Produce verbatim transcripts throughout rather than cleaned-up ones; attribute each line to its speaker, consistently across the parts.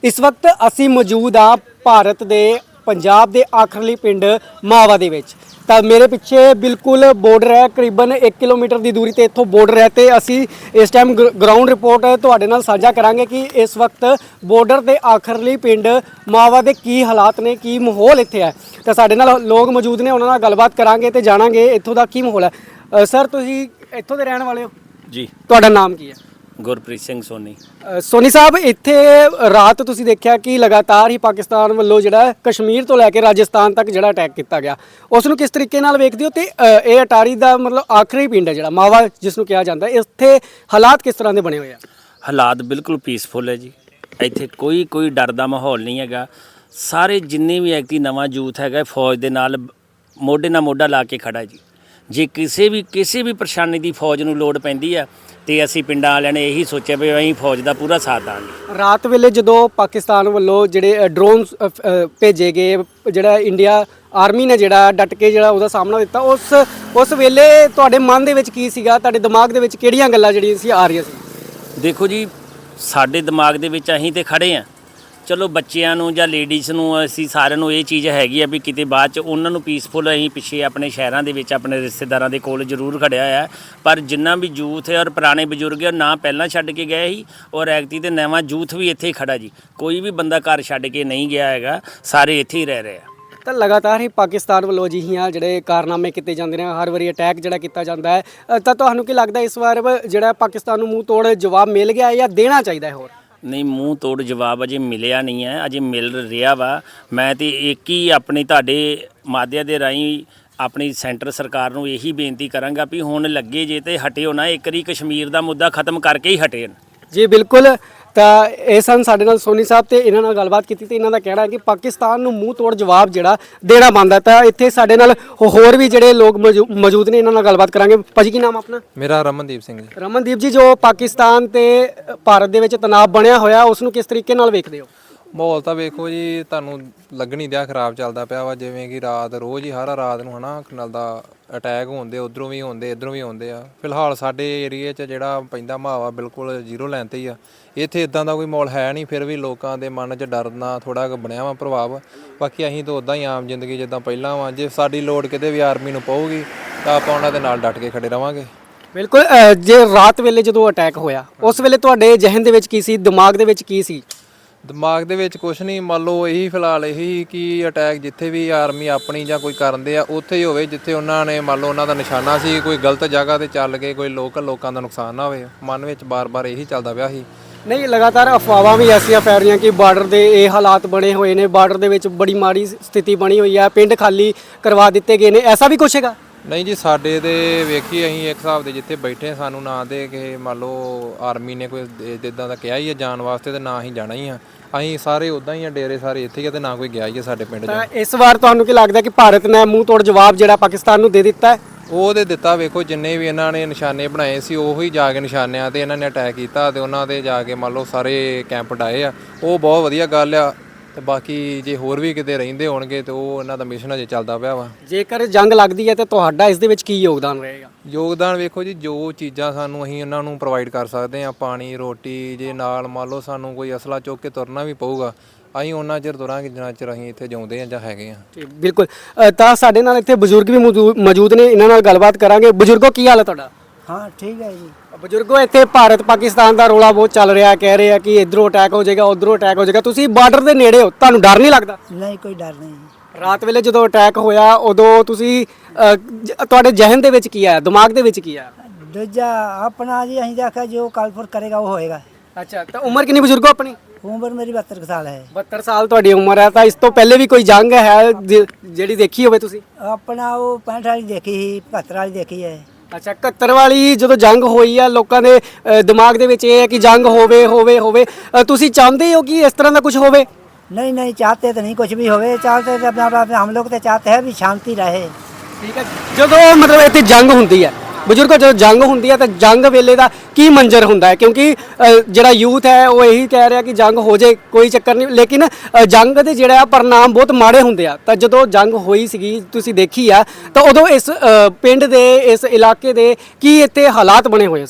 Speaker 1: इस वक्त असी मौजूद हाँ भारत के पंजाब के आखिरली पिंड मावा दे विच। ਤਾਂ ਮੇਰੇ ਪਿੱਛੇ ਬਿਲਕੁਲ ਬਾਰਡਰ ਹੈ, ਕਰੀਬਨ ਇੱਕ ਕਿਲੋਮੀਟਰ ਦੀ ਦੂਰੀ ਤੇ ਇੱਥੋਂ ਬਾਰਡਰ ਹੈ ਤੇ ਅਸੀਂ ਇਸ ਟਾਈਮ ਗਰਾਊਂਡ ਰਿਪੋਰਟ ਤੁਹਾਡੇ ਨਾਲ ਸਾਂਝਾ ਕਰਾਂਗੇ ਕਿ ਇਸ ਵਕਤ ਬਾਰਡਰ ਦੇ ਆਖਰਲੀ ਪਿੰਡ ਮਾਵਾ ਦੇ ਕੀ ਹਾਲਾਤ ਨੇ, ਕੀ ਮਾਹੌਲ ਇੱਥੇ ਹੈ। ਤਾਂ ਸਾਡੇ ਨਾਲ ਲੋਕ ਮੌਜੂਦ ਨੇ, ਉਹਨਾਂ ਨਾਲ ਗੱਲਬਾਤ ਕਰਾਂਗੇ ਤੇ ਜਾਣਾਂਗੇ ਇੱਥੋਂ ਦਾ ਕੀ ਮਾਹੌਲ ਹੈ। ਸਰ ਤੁਸੀਂ ਇੱਥੋਂ ਦੇ ਰਹਿਣ ਵਾਲੇ ਹੋ
Speaker 2: ਜੀ?
Speaker 1: ਤੁਹਾਡਾ ਨਾਮ ਕੀ ਹੈ?
Speaker 2: ਗੁਰਪ੍ਰੀਤ ਸਿੰਘ ਸੋਨੀ।
Speaker 1: ਸੋਨੀ ਸਾਹਿਬ, ਇੱਥੇ ਰਾਤ ਤੁਸੀਂ ਦੇਖਿਆ ਕਿ ਲਗਾਤਾਰ ਹੀ ਪਾਕਿਸਤਾਨ ਵੱਲੋਂ ਜਿਹੜਾ ਕਸ਼ਮੀਰ ਤੋਂ ਲੈ ਕੇ ਰਾਜਸਥਾਨ ਤੱਕ ਜਿਹੜਾ ਅਟੈਕ ਕੀਤਾ ਗਿਆ, ਉਸ ਨੂੰ ਕਿਸ ਤਰੀਕੇ ਨਾਲ ਵੇਖਦੇ ਹੋ? ਤੇ ਇਹ ਅਟਾਰੀ ਦਾ ਮਤਲਬ ਆਖਰੀ ਪਿੰਡ ਹੈ ਜਿਹੜਾ ਮਾਵਾ ਜਿਸ ਨੂੰ ਕਿਹਾ ਜਾਂਦਾ, ਇੱਥੇ ਹਾਲਾਤ ਕਿਸ ਤਰ੍ਹਾਂ ਦੇ ਬਣੇ ਹੋਏ ਆ?
Speaker 2: ਹਾਲਾਤ ਬਿਲਕੁਲ ਪੀਸਫੁਲ ਹੈ ਜੀ। ਇੱਥੇ ਕੋਈ ਕੋਈ ਡਰ ਦਾ ਮਾਹੌਲ ਨਹੀਂ ਹੈਗਾ। ਸਾਰੇ ਜਿੰਨੇ ਵੀ ਐਕਟੀ ਨਵਾਂ ਯੂਥ ਹੈਗਾ ਫੌਜ ਦੇ ਨਾਲ ਮੋਢੇ ਨਾਲ ਮੋਢਾ ਲਾ ਕੇ ਖੜਾ ਜੀ। ਜੇ ਕਿਸੇ ਵੀ ਕਿਸੇ ਵੀ ਪਰੇਸ਼ਾਨੀ ਦੀ ਫੌਜ ਨੂੰ ਲੋੜ ਪੈਂਦੀ ਆ ਤੇ ਅਸੀਂ ਪਿੰਡਾਂ ਵਾਲਿਆਂ ਨੇ ਇਹੀ ਸੋਚਿਆ ਵੀ ਅਸੀਂ ਫੌਜ ਦਾ ਪੂਰਾ ਸਾਥ ਦਾਂਗੇ। ਰਾਤ
Speaker 1: ਵੇਲੇ ਜਦੋਂ ਪਾਕਿਸਤਾਨ ਵੱਲੋਂ ਜਿਹੜੇ ਡਰੋਨ ਭੇਜੇ ਗਏ, ਜਿਹੜਾ ਇੰਡੀਆ ਆਰਮੀ ਨੇ ਜਿਹੜਾ ਡਟ ਕੇ ਜਿਹੜਾ ਉਹਦਾ ਸਾਹਮਣਾ ਦਿੱਤਾ, ਉਸ ਉਸ ਵੇਲੇ ਤੁਹਾਡੇ ਮਨ ਦੇ ਵਿੱਚ ਕੀ ਸੀਗਾ? ਤੁਹਾਡੇ ਦਿਮਾਗ ਦੇ ਵਿੱਚ ਕਿਹੜੀਆਂ ਗੱਲਾਂ ਜਿਹੜੀਆਂ ਸੀ ਆ ਰਹੀਆਂ ਸੀ?
Speaker 2: ਦੇਖੋ ਜੀ, ਸਾਡੇ ਦਿਮਾਗ ਦੇ ਵਿੱਚ ਅਸੀਂ ਤੇ ਖੜੇ ਆ। ਚਲੋ ਬੱਚਿਆਂ ਨੂੰ ਜਾਂ ਲੇਡੀਜ਼ ਨੂੰ ਅਸੀਂ ਸਾਰਿਆਂ ਨੂੰ ਇਹ ਚੀਜ਼ ਹੈਗੀ ਆ ਵੀ ਕਿਤੇ ਬਾਅਦ 'ਚ ਉਹਨਾਂ ਨੂੰ ਪੀਸਫੁਲ ਅਸੀਂ ਪਿੱਛੇ ਆਪਣੇ ਸ਼ਹਿਰਾਂ ਦੇ ਵਿੱਚ ਆਪਣੇ ਰਿਸ਼ਤੇਦਾਰਾਂ ਦੇ ਕੋਲ ਜ਼ਰੂਰ ਖੜਿਆ ਹੋਇਆ। ਪਰ ਜਿੰਨਾ ਵੀ ਯੂਥ ਹੈ ਔਰ ਪੁਰਾਣੇ ਬਜ਼ੁਰਗ ਹੈ ਨਾ ਪਹਿਲਾਂ ਛੱਡ ਕੇ ਗਏ ਸੀ ਔਰ ਐਕਤੀ ਤੇ ਨਵਾਂ ਯੂਥ ਵੀ ਇੱਥੇ ਹੀ ਖੜਾ ਜੀ। ਕੋਈ ਵੀ ਬੰਦਾ ਘਰ ਛੱਡ ਕੇ ਨਹੀਂ ਗਿਆ ਹੈਗਾ, ਸਾਰੇ ਇੱਥੇ ਹੀ ਰਹਿ ਰਹੇ ਆ।
Speaker 1: ਤਾਂ ਲਗਾਤਾਰ ਹੀ ਪਾਕਿਸਤਾਨ ਵੱਲੋਂ ਅਜਿਹੀਆਂ ਜਿਹੜੇ ਕਾਰਨਾਮੇ ਕੀਤੇ ਜਾਂਦੇ ਨੇ, ਹਰ ਵਾਰੀ ਅਟੈਕ ਜਿਹੜਾ ਕੀਤਾ ਜਾਂਦਾ ਹੈ, ਤਾਂ ਤੁਹਾਨੂੰ ਕੀ ਲੱਗਦਾ ਇਸ ਵਾਰ ਜਿਹੜਾ ਪਾਕਿਸਤਾਨ ਨੂੰ ਮੂੰਹ ਤੋੜ ਜਵਾਬ ਮਿਲ ਗਿਆ ਜਾਂ ਦੇਣਾ ਚਾਹੀਦਾ ਹੈ ਹੋਰ?
Speaker 2: ਨਹੀਂ, ਮੂੰਹ ਤੋੜ ਜਵਾਬ ਅਜੇ ਮਿਲਿਆ ਨਹੀਂ ਹੈ, ਅਜੇ ਮਿਲ ਰਿਹਾ ਵਾ। ਮੈਂ ਤੇ ਇੱਕ ਹੀ ਆਪਣੀ ਤੁਹਾਡੇ ਮਾਧਿਅਮ ਦੇ ਰਾਹੀਂ ਆਪਣੀ ਸੈਂਟਰ ਸਰਕਾਰ ਨੂੰ ਇਹੀ ਬੇਨਤੀ ਕਰਾਂਗਾ ਵੀ ਹੁਣ ਲੱਗੇ ਜੇ ਤੇ ਹਟਿਓ ਨਾ, ਇੱਕ ਵਾਰੀ ਕਸ਼ਮੀਰ ਦਾ ਮੁੱਦਾ ਖਤਮ ਕਰਕੇ ਹੀ ਹਟੇ।
Speaker 1: ਜੀ ਬਿਲਕੁਲ। ਤਾਂ ਇਹ ਸਨ ਸਾਡੇ ਨਾਲ ਸੋਨੀ ਸਾਹਿਬ ਤੇ ਇਹਨਾਂ ਨਾਲ ਗੱਲਬਾਤ ਕੀਤੀ ਤੇ ਇਹਨਾਂ ਦਾ ਕਹਿਣਾ ਹੈ ਕਿ ਪਾਕਿਸਤਾਨ ਨੂੰ ਮੂੰਹ ਤੋੜ ਜਵਾਬ ਜਿਹੜਾ ਦੇਣਾ ਬਣਦਾ। ਤਾਂ ਇੱਥੇ ਸਾਡੇ ਨਾਲ ਹੋਰ ਵੀ ਜਿਹੜੇ ਲੋਕ ਮੌਜੂਦ ਨੇ, ਇਹਨਾਂ ਨਾਲ ਗੱਲਬਾਤ ਕਰਾਂਗੇ। ਭਾਜੀ ਕੀ ਨਾਮ ਆਪਣਾ?
Speaker 3: ਮੇਰਾ ਰਮਨਦੀਪ ਸਿੰਘ ਜੀ।
Speaker 1: ਰਮਨਦੀਪ ਜੀ, ਜੋ ਪਾਕਿਸਤਾਨ ਤੇ ਭਾਰਤ ਦੇ ਵਿੱਚ ਤਣਾਅ ਬਣਿਆ ਹੋਇਆ, ਉਸ ਨੂੰ ਕਿਸ ਤਰੀਕੇ ਨਾਲ ਵੇਖਦੇ ਹੋ?
Speaker 3: ਮਾਹੌਲ ਤਾਂ ਵੇਖੋ ਜੀ, ਤੁਹਾਨੂੰ ਲੱਗਣੀ ਦਿਆ ਖਰਾਬ ਚੱਲਦਾ ਪਿਆ ਵਾ। ਜਿਵੇਂ ਕਿ ਰਾਤ ਰੋਜ਼ ਹੀ ਹਰ ਰਾਤ ਨੂੰ ਹਨਾ ਨਾਲ ਦਾ ਅਟੈਕ ਹੁੰਦੇ, ਉਧਰੋਂ ਵੀ ਹੁੰਦੇ ਇੱਧਰੋਂ ਵੀ ਆਉਂਦੇ ਆ। ਫਿਲਹਾਲ ਸਾਡੇ ਏਰੀਏ 'ਚ ਜਿਹੜਾ ਪੈਂਦਾ ਮਾਹੌਲ ਬਿਲਕੁਲ ਜ਼ੀਰੋ ਲਾਈਨ 'ਤੇ ਹੀ ਆ। ਇੱਥੇ ਇਦਾਂ ਦਾ ਕੋਈ ਮਾਹੌਲ ਹੈ ਨਹੀਂ, ਫਿਰ ਵੀ ਲੋਕਾਂ ਦੇ ਮਨ 'ਚ ਡਰ ਨਾਲ ਥੋੜ੍ਹਾ ਕੁ ਬਣਿਆ ਵਾ ਪ੍ਰਭਾਵ। ਬਾਕੀ ਅਸੀਂ ਤਾਂ ਉੱਦਾਂ ਹੀ ਆਮ ਜ਼ਿੰਦਗੀ ਜਿੱਦਾਂ ਪਹਿਲਾਂ ਵਾ। ਜੇ ਸਾਡੀ ਲੋੜ ਕਿਤੇ ਵੀ ਆਰਮੀ ਨੂੰ ਪਊਗੀ ਤਾਂ ਆਪਾਂ ਉਹਨਾਂ ਦੇ ਨਾਲ ਡਟ ਕੇ ਖੜੇ ਰਵਾਂਗੇ।
Speaker 1: ਬਿਲਕੁਲ। ਜੇ ਰਾਤ ਵੇਲੇ ਜਦੋਂ ਅਟੈਕ ਹੋਇਆ, ਉਸ ਵੇਲੇ ਤੁਹਾਡੇ ਜ਼ਿਹਨ ਦੇ ਵਿੱਚ ਕੀ ਸੀ, ਦਿਮਾਗ ਦੇ ਵਿੱਚ ਕੀ ਸੀ?
Speaker 3: ਦਿਮਾਗ ਦੇ ਵਿੱਚ ਕੁਛ ਨਹੀਂ, ਮੰਨ ਲਓ ਇਹੀ ਫਿਲਹਾਲ ਇਹੀ ਕਿ ਅਟੈਕ ਜਿੱਥੇ ਵੀ ਆਰਮੀ ਆਪਣੀ ਜਾਂ ਕੋਈ ਕਰਦੇ ਆ ਉੱਥੇ ਹੀ ਹੋਵੇ ਜਿੱਥੇ ਉਹਨਾਂ ਨੇ ਮੰਨ ਲਓ ਉਹਨਾਂ ਦਾ ਨਿਸ਼ਾਨਾ ਸੀ। ਕੋਈ ਗਲਤ ਜਗ੍ਹਾ ਤੇ ਚੱਲ ਕੇ ਕੋਈ ਲੋਕਲ ਲੋਕਾਂ ਦਾ ਨੁਕਸਾਨ ਨਾ ਹੋਵੇ, ਮਨ ਵਿੱਚ ਬਾਰ-ਬਾਰ ਇਹੀ ਚੱਲਦਾ ਪਿਆ ਸੀ।
Speaker 1: ਨਹੀਂ, ਲਗਾਤਾਰ ਅਫਵਾਹਾਂ ਵੀ ਐਸੀਆਂ ਫੈਲ ਰਹੀਆਂ ਕਿ ਬਾਰਡਰ ਦੇ ਇਹ ਹਾਲਾਤ ਬਣੇ ਹੋਏ ਨੇ, ਬਾਰਡਰ ਦੇ ਵਿੱਚ ਬੜੀ ਮਾੜੀ ਸਥਿਤੀ ਬਣੀ ਹੋਈ ਹੈ, ਪਿੰਡ ਖਾਲੀ ਕਰਵਾ ਦਿੱਤੇ ਗਏ ਨੇ, ਐਸਾ ਵੀ ਕੁਛ ਹੈਗਾ?
Speaker 3: ਨਹੀਂ ਜੀ, ਸਾਡੇ ਤੇ ਵੇਖੀ ਅਸੀਂ ਇੱਕ ਹਿਸਾਬ ਦੇ ਜਿੱਥੇ ਬੈਠੇ ਸਾਨੂੰ ਨਾ ਦੇ ਕਿ ਮੰਨ ਲਓ ਆਰਮੀ ਨੇ ਕੋਈ ਇੱਦਾਂ ਦਾ ਕਿਹਾ ਹੀ ਹੈ ਜਾਣ ਵਾਸਤੇ, ਤੇ ਨਾ ਅਸੀਂ ਜਾਣਾ ਹੀ ਆ। ਅਸੀਂ ਸਾਰੇ ਉੱਦਾਂ ਹੀ ਆ, ਡੇਰੇ ਸਾਰੇ ਇੱਥੇ ਹੀ ਆ ਤੇ ਨਾ ਕੋਈ ਗਿਆ ਹੀ ਹੈ ਸਾਡੇ ਪਿੰਡ 'ਚ।
Speaker 1: ਤਾਂ ਇਸ ਵਾਰ ਤੁਹਾਨੂੰ ਕੀ ਲੱਗਦਾ ਕਿ ਭਾਰਤ ਨੇ ਮੂੰਹ ਤੋੜ ਜਵਾਬ ਜਿਹੜਾ ਪਾਕਿਸਤਾਨ ਨੂੰ ਦੇ ਦਿੱਤਾ ਹੈ?
Speaker 3: ਉਹ ਤੇ ਦਿੱਤਾ। ਵੇਖੋ ਜਿੰਨੇ ਵੀ ਇਹਨਾਂ ਨੇ ਨਿਸ਼ਾਨੇ ਬਣਾਏ ਸੀ ਉਹੀ ਜਾ ਕੇ ਨਿਸ਼ਾਨਿਆਂ ਤੇ ਇਹਨਾਂ ਨੇ ਅਟੈਕ ਕੀਤਾ ਤੇ ਉਹਨਾਂ ਤੇ ਜਾ ਕੇ ਮੰਨ ਲਓ ਸਾਰੇ ਕੈਂਪ ਡਾਏ ਆ। ਉਹ ਬਹੁਤ ਵਧੀਆ ਗੱਲ ਆ। ਤੇ ਬਾਕੀ ਜੇ ਹੋਰ ਵੀ ਕਿਤੇ ਰਹਿੰਦੇ ਹੋਣਗੇ ਤੇ ਉਹ ਇਹਨਾਂ ਦਾ ਮਿਸ਼ਨ ਅਜੇ ਚੱਲਦਾ ਪਿਆ ਵਾ।
Speaker 1: ਜੇਕਰ ਜੰਗ ਲੱਗਦੀ ਹੈ ਤਾਂ ਤੁਹਾਡਾ ਇਸ ਦੇ ਵਿੱਚ ਕੀ ਯੋਗਦਾਨ ਰਹੇਗਾ?
Speaker 3: ਯੋਗਦਾਨ ਵੇਖੋ ਜੀ, ਜੋ ਚੀਜ਼ਾਂ ਸਾਨੂੰ ਅਸੀਂ ਉਹਨਾਂ ਨੂੰ ਪ੍ਰੋਵਾਈਡ ਕਰ ਸਕਦੇ ਹਾਂ, ਪਾਣੀ ਰੋਟੀ, ਜੇ ਨਾਲ ਮੰਨ ਲਓ ਸਾਨੂੰ ਕੋਈ ਅਸਲਾ ਚੁੱਕ ਕੇ ਤੁਰਨਾ ਵੀ ਪਊਗਾ, ਅਸੀਂ ਉਹਨਾਂ ਚਿਰ ਤੁਰਾਂਗੇ ਜਿੰਨਾ ਚਿਰ ਅਸੀਂ ਇੱਥੇ ਜਿਉਂਦੇ ਹਾਂ ਜਾਂ ਹੈਗੇ ਹਾਂ।
Speaker 1: ਬਿਲਕੁਲ। ਤਾਂ ਸਾਡੇ ਨਾਲ ਇੱਥੇ ਬਜ਼ੁਰਗ ਵੀ ਮੌਜੂਦ ਨੇ, ਇਹਨਾਂ ਨਾਲ ਗੱਲਬਾਤ ਕਰਾਂਗੇ। ਬਜ਼ੁਰਗੋ ਕੀ ਹਾਲ ਹੈ ਤੁਹਾਡਾ?
Speaker 4: ਹਾਂ ਠੀਕ ਹੈ ਜੀ।
Speaker 1: ਬਜ਼ੁਰਗੋ, ਇੱਥੇ ਭਾਰਤ ਪਾਕਿਸਤਾਨ ਦਾ ਰੌਲਾ ਬਹੁਤ ਚੱਲ ਰਿਹਾ, ਕਹਿ ਰਹੇ ਆ ਕਿ ਇੱਧਰੋਂ ਅਟੈਕ ਹੋ ਜਾਏਗਾ, ਉੱਧਰੋਂ ਅਟੈਕ ਹੋ ਜਾਏਗਾ। ਤੁਸੀਂ ਬਾਰਡਰ ਦੇ ਨੇੜੇ ਹੋ, ਤੁਹਾਨੂੰ ਡਰ ਨਹੀਂ ਲੱਗਦਾ?
Speaker 4: ਨਹੀਂ, ਕੋਈ ਡਰ ਨਹੀਂ।
Speaker 1: ਰਾਤ ਵੇਲੇ ਜਦੋਂ ਅਟੈਕ ਹੋਇਆ ਉਦੋਂ ਤੁਸੀਂ ਤੁਹਾਡੇ ਜ਼ਿਹਨ ਦੇ ਵਿੱਚ ਕੀ ਆਇਆ, ਦਿਮਾਗ ਦੇ ਵਿੱਚ ਕੀ ਆਇਆ?
Speaker 4: ਦੂਜਾ ਆਪਣਾ ਜੀ, ਅਸੀਂ ਆਖਿਆ ਜੋ ਕਲਪੁਰ ਕਰੇਗਾ ਉਹ ਹੋਏਗਾ।
Speaker 1: ਅੱਛਾ, ਤਾਂ ਉਮਰ ਕਿੰਨੀ ਬਜ਼ੁਰਗੋ ਆਪਣੀ?
Speaker 4: ਉਮਰ ਮੇਰੀ ਬਹੱਤਰ ਸਾਲ ਹੈ।
Speaker 1: ਬਹੱਤਰ ਸਾਲ ਤੁਹਾਡੀ ਉਮਰ ਹੈ। ਤਾਂ ਇਸ ਤੋਂ ਪਹਿਲੇ ਵੀ ਕੋਈ ਜੰਗ ਹੈ ਜਿਹੜੀ ਦੇਖੀ ਹੋਵੇ ਤੁਸੀਂ?
Speaker 4: ਆਪਣਾ ਉਹ ਪੈਂਹਠ ਵਾਲੀ ਦੇਖੀ ਸੀ, ਬਹੱਤਰ ਵਾਲੀ ਦੇਖੀ ਹੈ।
Speaker 1: ਅੱਛਾ, ਇਕਹੱਤਰ ਵਾਲੀ ਜਦੋਂ ਜੰਗ ਹੋਈ ਆ, ਲੋਕਾਂ ਦੇ ਦਿਮਾਗ ਦੇ ਵਿੱਚ ਇਹ ਹੈ ਕਿ ਜੰਗ ਹੋਵੇ ਹੋਵੇ ਹੋਵੇ। ਤੁਸੀਂ ਚਾਹੁੰਦੇ ਹੋ ਕਿ ਇਸ ਤਰ੍ਹਾਂ ਦਾ ਕੁਝ ਹੋਵੇ?
Speaker 4: नहीं नहीं, चाहते तो नहीं कुछ भी होवे, चाहते तो अपना अपना हम लोग तो चाहते हैं भी शांति रहे।
Speaker 1: ठीक है। ਜਦੋਂ ਮਤਲਬ ਇੱਥੇ ਜੰਗ ਹੁੰਦੀ ਹੈ ਬਜ਼ੁਰਗੋ, ਜਦੋਂ ਜੰਗ ਹੁੰਦੀ ਹੈ ਤਾਂ ਜੰਗ ਵੇਲੇ ਦਾ ਕੀ ਮੰਜ਼ਰ ਹੁੰਦਾ ਹੈ? ਕਿਉਂਕਿ ਜਿਹੜਾ ਯੂਥ ਹੈ ਉਹ ਇਹੀ ਕਹਿ ਰਿਹਾ ਕਿ ਜੰਗ ਹੋ ਜਾਏ, ਕੋਈ ਚੱਕਰ ਨਹੀਂ, ਲੇਕਿਨ ਜੰਗ ਦੇ ਜਿਹੜਾ ਪਰਿਣਾਮ ਬਹੁਤ ਮਾੜੇ ਹੁੰਦੇ ਆ। ਤਾਂ ਜਦੋਂ ਜੰਗ ਹੋਈ ਸੀਗੀ, ਤੁਸੀਂ ਦੇਖੀ ਆ, ਤਾਂ ਉਦੋਂ ਇਸ ਪਿੰਡ ਦੇ ਇਸ ਇਲਾਕੇ ਦੇ ਕੀ ਇੱਥੇ ਹਾਲਾਤ ਬਣੇ ਹੋਏ ਸਨ?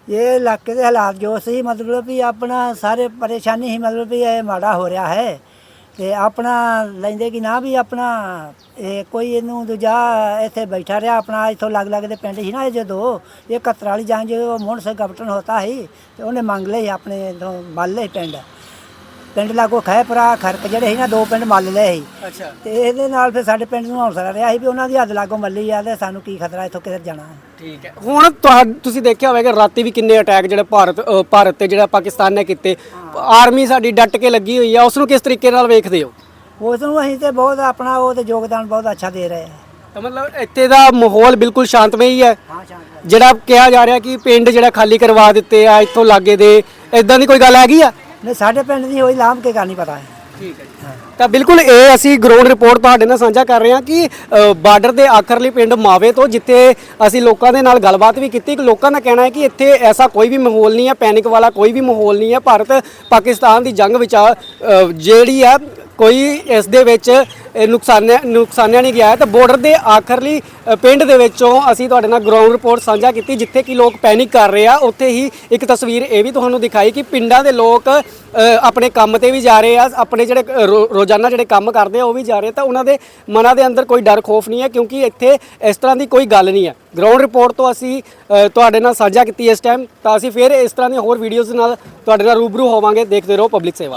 Speaker 4: ਇਹ ਇਲਾਕੇ ਦੇ ਹਾਲਾਤ ਜੋ ਸੀ ਮਤਲਬ ਵੀ ਆਪਣਾ ਸਾਰੇ ਪਰੇਸ਼ਾਨੀ ਹੀ ਮਤਲਬ ਵੀ ਇਹ ਮਾੜਾ ਹੋ ਰਿਹਾ ਹੈ ਤੇ ਆਪਣਾ ਲੈਂਦੇ ਕਿ ਨਾ ਵੀ ਆਪਣਾ ਇਹ ਕੋਈ ਇਹਨੂੰ ਦੂਜਾ ਇੱਥੇ ਬੈਠਾ ਰਿਹਾ ਆਪਣਾ ਇੱਥੋਂ ਲੱਗ ਲੱਗ ਦੇ ਪਿੰਡ ਸੀ ਨਾ ਇਹ ਜਦੋਂ ਇਹ ਕਤਰਾ ਵਾਲੀ ਜੰਗ ਜਦੋਂ ਮੋਹਨ ਸਿੰਘ ਕੈਪਟਨ ਹੋਤਾ ਸੀ ਤੇ ਉਹਨੇ ਮੰਗ ਲਏ ਆਪਣੇ ਤੋਂ ਮੱਲ ਲਏ ਪਿੰਡ ਪਿੰਡ ਲਾਗੋ ਖੈਪਰਾ ਖਰਕ ਜਿਹੜੇ ਸੀ ਨਾ ਦੋ ਪਿੰਡ ਮੱਲ ਲਏ ਸੀ
Speaker 1: ਅੱਛਾ
Speaker 4: ਤੇ ਇਹਦੇ ਨਾਲ ਫਿਰ ਸਾਡੇ ਪਿੰਡ ਨੂੰ ਹੌਸਲਾ ਰਿਹਾ ਸੀ ਵੀ ਉਹਨਾਂ ਦੀ ਹੱਦ ਲਾਗੋ ਮੱਲੀ ਆ ਤੇ ਸਾਨੂੰ ਕੀ ਖਤਰਾ ਇੱਥੋਂ ਕਿਧਰ ਜਾਣਾ
Speaker 1: ਠੀਕ ਹੈ ਹੁਣ ਤੁਹਾ ਤੁਸੀਂ ਦੇਖਿਆ ਹੋਵੇਗਾ ਰਾਤੀ ਵੀ ਕਿੰਨੇ ਅਟੈਕ ਜਿਹੜੇ ਭਾਰਤ ਅ, ਭਾਰਤ ਤੇ ਜਿਹੜਾ ਪਾਕਿਸਤਾਨ ਨੇ ਕੀਤੇ ਆਰਮੀ ਸਾਡੀ ਡਟ ਕੇ ਲੱਗੀ ਹੋਈ ਆ ਉਸ ਨੂੰ ਕਿਸ ਤਰੀਕੇ ਨਾਲ ਵੇਖਦੇ ਹੋ
Speaker 4: ਉਸ ਨੂੰ ਅਸੀਂ ਤੇ ਬਹੁਤ ਆਪਣਾ ਉਹ ਤੇ ਯੋਗਦਾਨ ਬਹੁਤ ਅੱਛਾ ਦੇ ਰਹੇ ਹਾਂ
Speaker 1: ਤਾਂ ਮਤਲਬ ਇੱਥੇ ਦਾ ਮਾਹੌਲ ਬਿਲਕੁਲ ਸ਼ਾਂਤਮਈ ਹੈ
Speaker 4: ਹਾਂ ਸ਼ਾਂਤ
Speaker 1: ਜਿਹੜਾ ਕਿਹਾ ਜਾ ਰਿਹਾ ਕਿ ਪਿੰਡ ਜਿਹੜਾ ਖਾਲੀ ਕਰਵਾ ਦਿੱਤੇ ਆ ਇੱਥੋਂ ਲਾਗੇ ਦੇ ਇਦਾਂ ਦੀ ਕੋਈ ਗੱਲ ਹੈਗੀ ਆ
Speaker 4: ਨਹੀਂ ਸਾਡੇ ਪਿੰਡ ਦੀ ਹੋਈ ਲਾਮ ਕੇ ਗੱਲ ਨਹੀਂ ਪਤਾ ਹੈ
Speaker 1: ਠੀਕ ਹੈ ਜੀ ਤਾਂ ਬਿਲਕੁਲ ਇਹ ਅਸੀਂ ਗਰਾਊਂਡ ਰਿਪੋਰਟ ਤੁਹਾਡੇ ਨਾਲ ਸਾਂਝਾ ਕਰ ਰਹੇ ਹਾਂ ਕਿ ਅ, ਬਾਰਡਰ ਦੇ ਆਖਰਲੀ ਪਿੰਡ ਮਾਵੇ ਤੋਂ ਜਿੱਥੇ ਅਸੀਂ ਲੋਕਾਂ ਦੇ ਨਾਲ ਗੱਲਬਾਤ ਵੀ ਕੀਤੀ ਕਿ ਲੋਕਾਂ ਦਾ ਕਹਿਣਾ ਹੈ ਕਿ ਇੱਥੇ ਐਸਾ ਕੋਈ ਵੀ ਮਾਹੌਲ ਨਹੀਂ ਹੈ ਪੈਨਿਕ ਵਾਲਾ ਕੋਈ ਵੀ ਮਾਹੌਲ ਨਹੀਂ ਹੈ ਭਾਰਤ ਪਾਕਿਸਤਾਨ ਦੀ ਜੰਗ ਵਿੱਚ ਆ, ਅ, ਜਿਹੜੀ ਆ ਕੋਈ ਇਸ ਦੇ ਵਿੱਚ ਇਹ ਨੁਕਸਾਨਿਆ ਨੁਕਸਾਨਿਆ ਨਹੀਂ ਗਿਆ ਹੈ ਤਾਂ ਬਾਰਡਰ ਦੇ ਆਖਰਲੀ ਅ, ਪਿੰਡ ਦੇ ਵਿੱਚੋਂ ਅਸੀਂ ਤੁਹਾਡੇ ਨਾਲ ਗਰਾਊਂਡ ਰਿਪੋਰਟ ਸਾਂਝਾ ਕੀਤੀ ਜਿੱਥੇ ਕਿ ਲੋਕ ਪੈਨਿਕ ਕਰ ਰਹੇ ਆ ਉੱਥੇ ਹੀ ਇੱਕ ਤਸਵੀਰ ਇਹ ਵੀ ਤੁਹਾਨੂੰ ਦਿਖਾਈ ਕਿ ਪਿੰਡਾਂ ਦੇ ਲੋਕ ਅ, ਆਪਣੇ ਕੰਮ ਤੇ ਵੀ ਜਾ ਰਹੇ ਆ ਆਪਣੇ ਜਿਹੜੇ ਅ, ਰੋ- ਰੋਜ਼ਾਨਾ ਜਿਹੜੇ ਕੰਮ ਕਰਦੇ ਆ ਉਹ ਵੀ ਜਾ ਰਹੇ ਤਾਂ ਉਹਨਾਂ ਦੇ ਮਨਾਂ ਦੇ ਅੰਦਰ ਕੋਈ ਡਰ ਖੋਫ ਨਹੀਂ ਹੈ ਕਿਉਂਕਿ ਇੱਥੇ ਇਸ ਤਰ੍ਹਾਂ ਦੀ ਕੋਈ ਗੱਲ ਨਹੀਂ ਹੈ ਗਰਾਊਂਡ ਰਿਪੋਰਟ ਤੋਂ ਅਸੀਂ ਅ, ਤੁਹਾਡੇ ਨਾਲ ਸਾਂਝਾ ਕੀਤੀ ਇਸ ਟਾਈਮ ਤਾਂ ਅਸੀਂ ਫਿਰ ਇਸ ਤਰ੍ਹਾਂ ਦੀਆਂ ਹੋਰ ਵੀਡੀਓਜ਼ ਨਾਲ ਤੁਹਾਡੇ ਨਾਲ ਰੂਬਰੂ ਹੋਵਾਂਗੇ ਦੇਖਦੇ ਰਹੋ ਪਬਲਿਕ ਸੇਵਾ।